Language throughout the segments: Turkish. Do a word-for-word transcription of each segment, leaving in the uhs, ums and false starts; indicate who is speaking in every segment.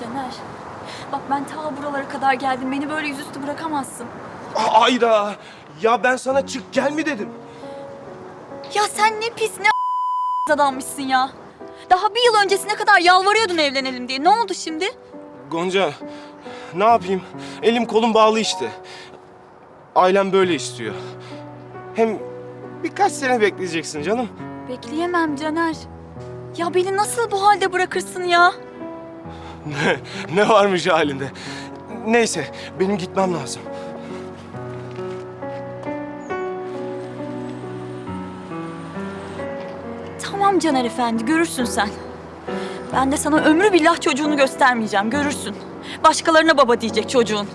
Speaker 1: Caner. Bak ben ta buralara kadar geldim. Beni böyle yüzüstü bırakamazsın.
Speaker 2: A- Ayda! Ya ben sana çık gel mi dedim?
Speaker 1: Ya sen ne pis ne adammışsın ya. Daha bir yıl öncesine kadar yalvarıyordun evlenelim diye. Ne oldu şimdi?
Speaker 2: Gonca, ne yapayım? Elim kolum bağlı işte. Ailem böyle istiyor. Hem birkaç sene bekleyeceksin canım.
Speaker 1: Bekleyemem Caner. Ya beni nasıl bu halde bırakırsın ya?
Speaker 2: Ne, ne varmış halinde? Neyse, benim gitmem lazım.
Speaker 1: Tamam Caner Efendi, görürsün sen. Ben de sana ömrü billah çocuğunu göstermeyeceğim, görürsün. Başkalarına baba diyecek çocuğun.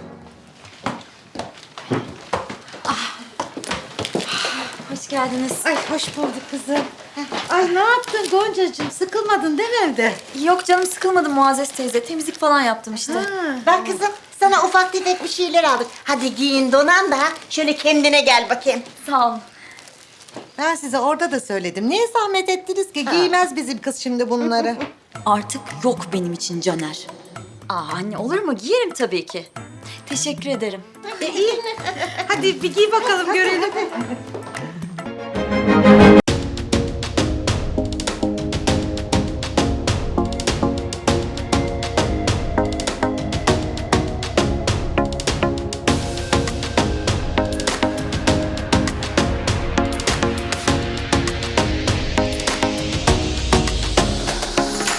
Speaker 1: Hoş geldiniz.
Speaker 3: Ay hoş bulduk kızım. Ay ne yaptın Goncacığım? Sıkılmadın değil mi evde?
Speaker 1: Yok canım sıkılmadı Muazzez teyze. Temizlik falan yaptım işte.
Speaker 4: Bak kızım sana ufak tefek bir şeyler aldık. Hadi giyin donan da şöyle kendine gel bakayım.
Speaker 1: Sağ olun.
Speaker 3: Ben size orada da söyledim. Niye zahmet ettiniz ki? Giymez bizim kız şimdi bunları.
Speaker 1: Artık yok benim için Caner. Aa anne olur mu? Giyerim tabii ki. Teşekkür ederim.
Speaker 3: E iyi. Hadi bir giy bakalım görelim.